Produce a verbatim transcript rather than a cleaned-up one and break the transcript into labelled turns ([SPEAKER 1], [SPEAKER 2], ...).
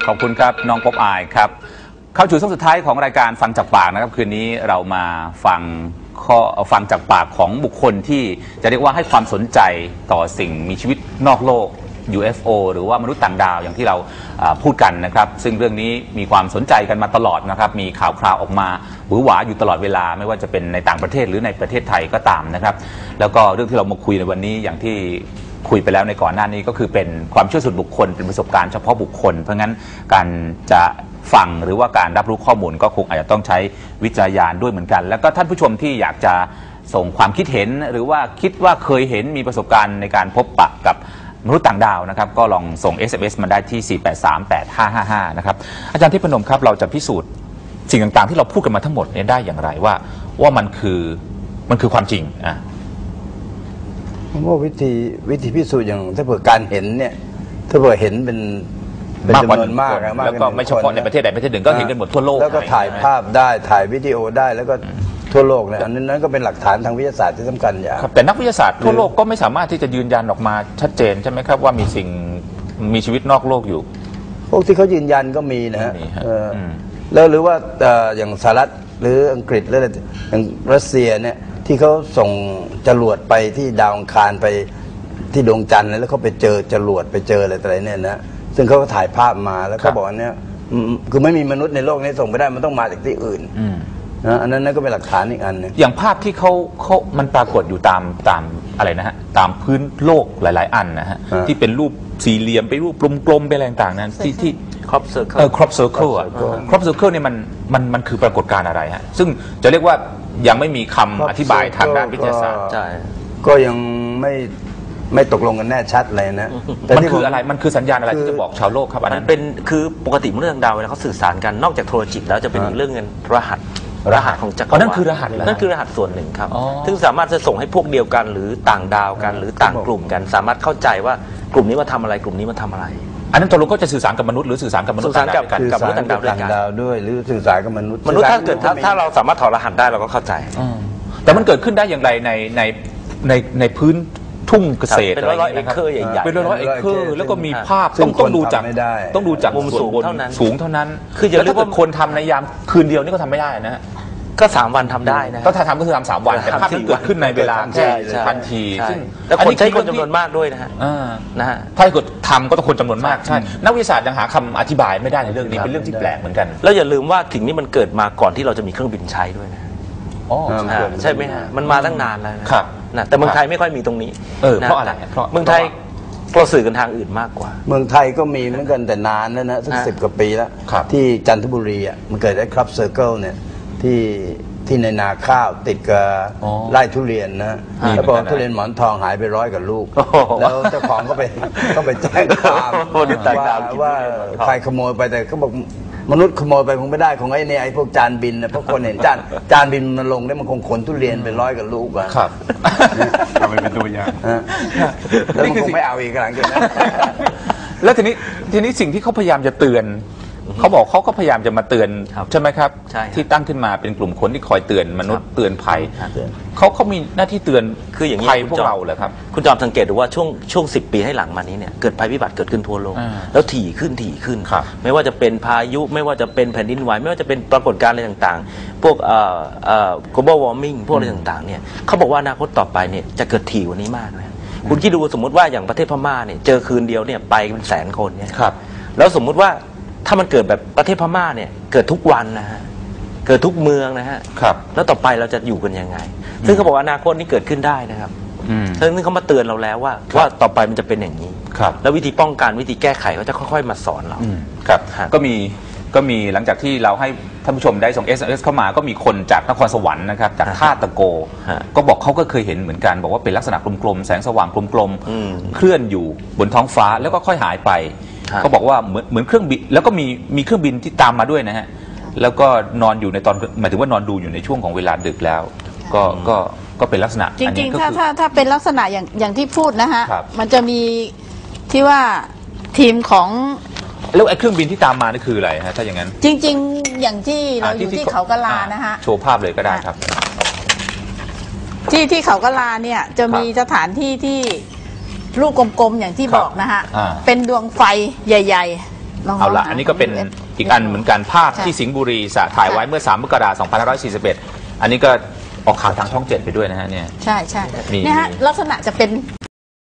[SPEAKER 1] ขอบคุณครับน้องป๊อบอายครับเข้าสู่ช่วงสุดท้ายของรายการฟังจากปากนะครับคืนนี้เรามาฟังข้อฟังจากปากของบุคคลที่จะเรียกว่าให้ความสนใจต่อสิ่งมีชีวิตนอกโลก ยู เอฟ โอ หรือว่ามนุษย์ต่างดาวอย่างที่เราพูดกันนะครับซึ่งเรื่องนี้มีความสนใจกันมาตลอดนะครับมีข่าวคราวออกมาหวือหวาอยู่ตลอดเวลาไม่ว่าจะเป็นในต่างประเทศหรือในประเทศไทยก็ตามนะครับแล้วก็เรื่องที่เรามาคุยในวันนี้อย่างที่คุยไปแล้วในก่อนหน้านี้ก็คือเป็นความเชื่อส่วนบุคคลเป็นประสบการณ์เฉพาะบุคคลเพราะงั้นการจะฟังหรือว่าการรับรู้ข้อมูลก็คงอาจจะต้องใช้วิจารณญาณด้วยเหมือนกันแล้วก็ท่านผู้ชมที่อยากจะส่งความคิดเห็นหรือว่าคิดว่าเคยเห็นมีประสบการณ์ในการพบปะกับมนุษย์ต่างดาวนะครับก็ลองส่ง เอส เอ็ม เอส มาได้ที่สี่แปดสามแปดห้าห้าห้านะครับอาจารย์ทิพย์พนมครับเราจะพิสูจน์สิ่งต่างๆที่เราพูดกันมาทั้งหมดนี้ได้อย่างไรว่าว่ามันคือมันคือความจริงอ่ะ
[SPEAKER 2] ผมว่าวิธีวิธีพิสูจน์อย่างถ้าเผื่อการเห็นเนี่ยถ้าเผื่อเห็นเป็นเป็นจำนวนมาก
[SPEAKER 1] แล้วก็ไม่เฉพาะในประเทศใดประเทศหนึ่งก็เห็นกันหมดทั่วโลก
[SPEAKER 2] แล้วก็ถ่ายภาพได้ถ่ายวิดีโอได้แล้วก็ทั่วโลกเนี่ยอันนั้นก็เป็นหลักฐานทางวิทยาศาสตร์ที่สำคัญอย่าง
[SPEAKER 1] แต่นักวิทยาศาสตร์ทั่วโลกก็ไม่สามารถที่จะยืนยันออกมาชัดเจนใช่ไหมครับว่ามีสิ่งมีชีวิตนอกโลกอยู่
[SPEAKER 2] พวกที่เขายืนยันก็มีนะฮะแล้วหรือว่าอย่างสหรัฐหรืออังกฤษหรืออะไรอย่างรัสเซียเนี่ยที่เขาส่งจรวดไปที่ดาวอังคารไปที่ดวงจันทร์แล้วเขาไปเจอจรวดไปเจออะไรอะไรเนี่ยนะซึ่งเขาก็ถ่ายภาพมาแล้วเขาบอกว่าเนี่ยคือไม่มีมนุษย์ในโลกนี้ส่งไปได้มันต้องมาจากที่อื่นนะอันนั้นนั่นก็เป็นหลักฐานอีกอันนึง
[SPEAKER 1] อย่างภาพที่เขาเขามันปรากฏอยู่ตามตามอะไรนะฮะตามพื้นโลกหลายๆอันนะฮะที่เป็นรูปสี่เหลี่ยมไปรูปกลมๆไปอะไรต่างๆนั้นที่ที่
[SPEAKER 3] ครอบเซอร์เคิล
[SPEAKER 1] เออครอบเซอร์เคิลอ่ะครอบเซอร์เคิลเนี่ยมันมันมันคือปรากฏการณ์อะไรฮะซึ่งจะเรียกว่ายังไม่มีคำอธิบายทางด้านวิทยาศาสตร์
[SPEAKER 2] ใช่ก็ยังไม่ไม่ตกลงกันแน่ชัดเลยนะ
[SPEAKER 1] มันคืออะไรมันคือสัญญาณอะไรที่จะบอกชาวโลกครับอันนั้น
[SPEAKER 3] มันเป็นคือปกติมนุษย์ต่างดาวเวลาเขาสื่อสารกันนอกจากโทรจิตแล้วจะเป็นเรื่องเงินรหัสรหัสของจักรวาล
[SPEAKER 1] นั่นคือรหัส
[SPEAKER 3] นั่นคือรหัสส่วนหนึ่งครับซึ่งสามารถจะส่งให้พวกเดียวกันหรือต่างดาวกันหรือต่างกลุ่มกันสามารถเข้าใจว่ากลุ่มนี้มาทำอะไรกลุ่มนี้มาทำอะไร
[SPEAKER 1] อันนั้นตกลงก็จะสื่อสารกับมนุษย์หรือสื่อสารกับมนุษย์
[SPEAKER 3] สื่อสารกับกับมนุษย์ต่างดาว
[SPEAKER 2] ด้วยหรือสื่อสารกับมนุษย์
[SPEAKER 3] มนุษย์ถ้าเกิดถ้าเราสามารถถอดรหัสได้เราก็เข้าใจ
[SPEAKER 1] แต่มันเกิดขึ้นได้อย่างไรในในในในพื้นทุ่งเกษตร
[SPEAKER 3] เป็นร้อยๆเอเคอร์ใหญ่ๆ
[SPEAKER 1] เป็นร้อยๆเอเคอร์แล้วก็มีภาพต้องต้องดูจากต้องดูจาก
[SPEAKER 3] มุมสูงเท่านั้น
[SPEAKER 1] สูงเท่านั้นคืออย่าเรียกว่าคนทำในยามคืนเดียวนี่ก็ทำไม่ได้นะ
[SPEAKER 3] ก็สามวันทำได้นะ
[SPEAKER 1] ก็ถ้าทำก็คือทำสามวันแต่ภาพที่เกิดขึ้นในเวลาแค่ทันทีซึ่ง
[SPEAKER 3] แล้วคนใช้คนจำนวนมากด้วยนะฮะ
[SPEAKER 1] นะฮะถ้าเกิดทำก็ต้องคนจำนวนมากใช่นักวิทยาศาสตร์ยังหาคำอธิบายไม่ได้ในเรื่องนี้เป็นเรื่องที่แปลกเหมือนกัน
[SPEAKER 3] แล้วอย่าลืมว่าสิ่งนี้มันเกิดมาก่อนที่เราจะมีเครื่องบินใช้ด้วยนะ
[SPEAKER 1] อ๋อ
[SPEAKER 3] ใช่ไหมฮะมันมาตั้งนานแล้วนะครับนะแต่เมืองไทยไม่ค่อยมีตรงนี้
[SPEAKER 1] เออเพราะอะไรเพราะ
[SPEAKER 3] เมืองไทยเราสื่อกันทางอื่นมากกว่า
[SPEAKER 2] เมืองไทยก็มีเหมือนกันแต่นานแล้วนะสักสิบกว่าปีแล้วที่จันทบุรีอ่ะมันเกิดไอ้ครับเซอร์เคิลเนี่ยที่ที่ในนาข้าวติดกับไร่ทุเรียนนะแล้วพอทุเรียนหมอนทองหายไปร้อยกว่าลูกแล้วเจ้าของก็ไปก็ไปแจ้งความว่าว่าใครขโมยไปแต่เขาบอกมนุษย์ขโมยไปคงไม่ได้ของไอ้เนี่ยไอ้พวกจานบินนะเพราะคนเห็นจานจานบินมันลงได้มันคงขนทุเรียนไปร้อยกว่าลูกอะ
[SPEAKER 1] ครับ
[SPEAKER 2] เอาไปเป็นตัวอย่างแล้วมันคงไม่เอาอีกหลังจากนั้น
[SPEAKER 1] แล้วทีนี้ทีนี้สิ่งที่เขาพยายามจะเตือนเขาบอกเขาก็พยายามจะมาเตือนใช่ไหมครับที่ตั้งขึ้นมาเป็นกลุ่มคนที่คอยเตือนมนุษย์เตือนภัยเขาเขามีหน้าที่เตือน
[SPEAKER 3] คืออย่างนี้
[SPEAKER 1] พวกเราเหรอครับ
[SPEAKER 3] คุณจอมสังเกตดูว่าช่วงช่วงสิบปีให้หลังมานี้เนี่ยเกิดภัยพิบัติเกิดขึ้นทั่วโลกแล้วถี่ขึ้นถี่ขึ้นไม่ว่าจะเป็นพายุไม่ว่าจะเป็นแผ่นดินไหวไม่ว่าจะเป็นปรากฏการณ์อะไรต่างๆพวกเอ่อเอ่อ global warming พวกอะไรต่างๆเนี่ยเขาบอกว่าอนาคตต่อไปเนี่ยจะเกิดถี่กว่านี้มากนะคุณคิดดูสมมติว่าอย่างประเทศพม่าเนี่ยเจอคืนเดียวเนี่ยไปเป็นแสนคนเนี่ยแล้วสมมุติว่าถ้ามันเกิดแบบประเทศพม่าเนี่ยเกิดทุกวันนะฮะเกิดทุกเมืองนะฮะแล้วต่อไปเราจะอยู่กันยังไงซึ่งเขาบอกว่าอนาคตนี้เกิดขึ้นได้นะครับซึ่งเขามาเตือนเราแล้วว่าว่าต่อไปมันจะเป็นอย่างนี้แล้ววิธีป้องกันวิธีแก้ไขเขาจะค่อยๆมาสอนเรา
[SPEAKER 1] ครับก็มีก็มีหลังจากที่เราให้ท่านผู้ชมได้ส่ง เอส เอ็ม เอส เข้ามาก็มีคนจากนครสวรรค์นะครับจากท่าตะโกก็บอกเขาก็เคยเห็นเหมือนกันบอกว่าเป็นลักษณะกลมๆแสงสว่างกลมๆเคลื่อนอยู่บนท้องฟ้าแล้วก็ค่อยหายไปเขาบอกว่าเหมือนเหมือนเครื่องบินแล้วก็มีมีเครื่องบินที่ตามมาด้วยนะฮะแล้วก็นอนอยู่ในตอนหมายถึงว่านอนดูอยู่ในช่วงของเวลาดึกแล้วก็ก็ก็เป็นลักษณะ
[SPEAKER 4] จริงๆถ้าถ้าถ้าเป็นลักษณะอย่างอย่างที่พูดนะฮะมันจะมีที่ว่าทีมของ
[SPEAKER 1] แล้วไอ้เครื่องบินที่ตามมานี่คืออะไรฮะถ้าอย่างนั้น
[SPEAKER 4] จริงๆอย่างที่เราอยู่ที่เขากะลานะฮะ
[SPEAKER 1] โชว์ภาพเลยก็ได้ครับ
[SPEAKER 4] ที่ที่เขากะลาเนี่ยจะมีสถานที่ที่ลูกกลมๆอย่างที่บอกนะฮะเป็นดวงไฟใหญ่ๆลอง
[SPEAKER 1] เอาละ
[SPEAKER 4] หา
[SPEAKER 1] อันนี้ก็เป็น
[SPEAKER 4] ของ
[SPEAKER 1] อีกอันเหมือนกันภาพ
[SPEAKER 4] ใช่
[SPEAKER 1] ที่สิงห์บุรีสะถ่ายไว้เมื่อสามมกราคมสองพันห้าร้อยสี่สิบเอ็ดอันนี้ก็ออกข่าวทางช่องเจ็ดไปด้วยนะฮะเนี่ย
[SPEAKER 4] ใช่ใช่
[SPEAKER 1] มี
[SPEAKER 4] เนี่ยฮะลักษณะจะเป็น